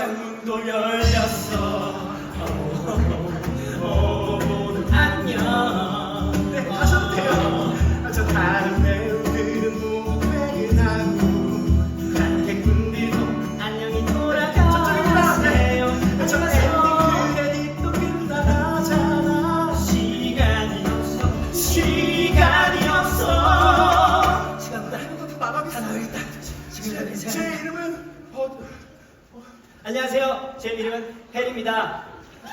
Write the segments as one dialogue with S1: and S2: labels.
S1: 창문도 열렸어. 모두 안녕.
S2: 네, 가셔도 돼요. 저 다른 배우들은 모두 퇴근하고
S1: 관객분들도 안녕히 돌아가세요.
S2: 저 엔딩 크레딧도 끝나가잖아.
S1: 시간이 없어. 시간이 없어.
S2: 시간보다 한국도 나가겠어. 제 이름은
S1: 안녕하세요. 제 이름은 헬입니다.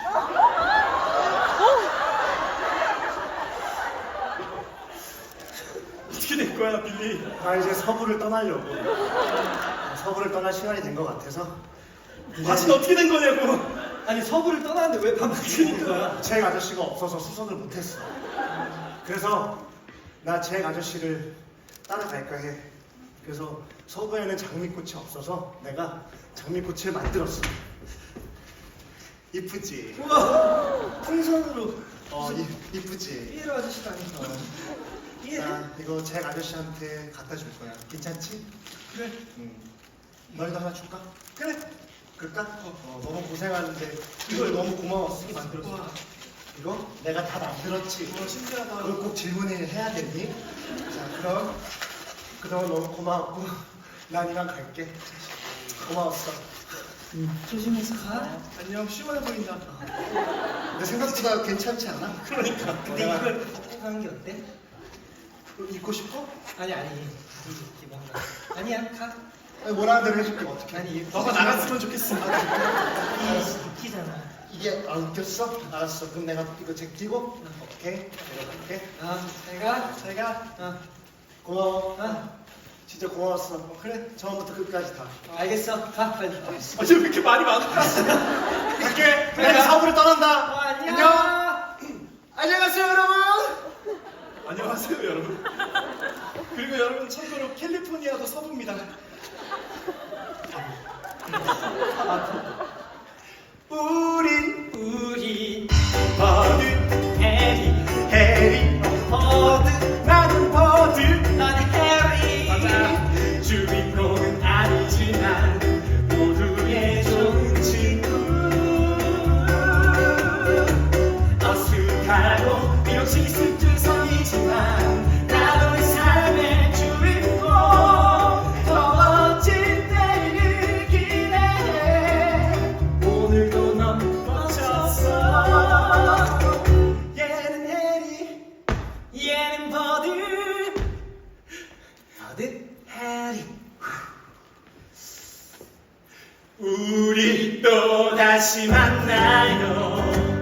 S2: 어떻게 된 거야, 빌리?
S3: 나 이제 서부를 떠나려고. 서부를 떠날 시간이 된 것 같아서.
S2: 다시 어떻게 된 거냐고.
S1: 아니 서부를 떠나는데 왜 반박하는 거야?
S3: 잭 아저씨가 없어서 수선을 못했어. 그래서 나 잭 아저씨를 따라갈까 해. 그래서 서부에는 장미꽃이 없어서 내가 장미꽃을 만들었어. 이쁘지?
S1: 우와 풍선으로.
S3: 이쁘지?
S1: 삐에로 아저씨도 아니고.
S3: 자, 이거 잭 아저씨한테 갖다 줄 거야. 괜찮지?
S2: 그래.
S3: 너희도 하나 줄까? 그래. 그럴까? 너무 고생하는데 이걸 너무 고마웠어.
S2: 만들었어.
S3: 이거 내가 다 만들었지.
S2: 신기하다.
S3: 그걸 꼭 질문을 해야겠니? 자, 그동안 너무 고마웠고 난 이만 갈게. 고마웠어.
S1: 조심해서 가.
S2: 안녕, 시원해 보인다.
S3: 근데 생각보다 괜찮지 않아?
S2: 그러니까.
S1: 근데 이걸 갖고 가는 게 어때?
S3: 입고 싶어?
S1: 아니 기본가. 아니야 가.
S3: 아니, 뭐라는 대로 해줄게. 어떻게?
S1: 아니
S2: 너가 나갔으면 좋겠어.
S1: 웃기잖아.
S3: 이게 웃겼어? 알았어. 그럼 내가 이거 제끼고 오케이. 내가 갈게.
S1: 제가.
S3: 고마워.
S1: 아
S3: 진짜 고마웠어. 그래. 처음부터 끝까지 다.
S1: 알겠어. 가 빨리.
S2: 어제 왜 이렇게 말이 많아?
S3: 갈게.
S1: 그래.
S3: 내가 서부를 떠난다.
S1: 안녕.
S3: 안녕하세요, 여러분.
S2: 안녕하세요, 여러분. 그리고 여러분, 참고로 캘리포니아도 서부입니다.
S1: 우리
S2: 버드,
S1: 해리
S2: 버드, 나는 버드.
S1: 넌 해리.
S2: 맞아.
S1: 주인공은 아니지만 모두의 좋은 친구. 어색하고 비록 실수투성이지만 나도 내 삶의 주인공. 더 멋진 내일을 기대해. 오늘도 넌 멋졌어.
S2: 얘는 해리.
S1: 얘는 버드. 해리. 우리 또 다시 만나요.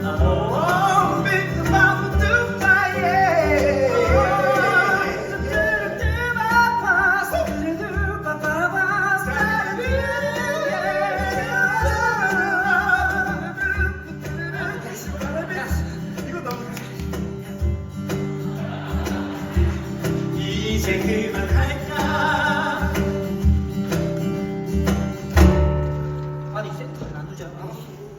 S2: 이거 너무.
S1: 이제 그만할까? 아니 센터를 나누잖아.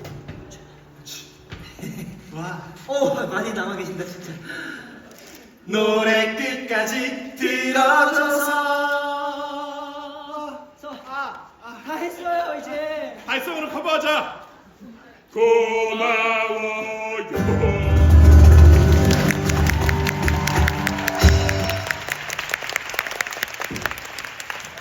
S1: 와. 많이 남아 계신다 진짜. 노래 끝까지 들어줘서. 다 했어요 이제.
S2: 발성으로 커버하자. 고마워.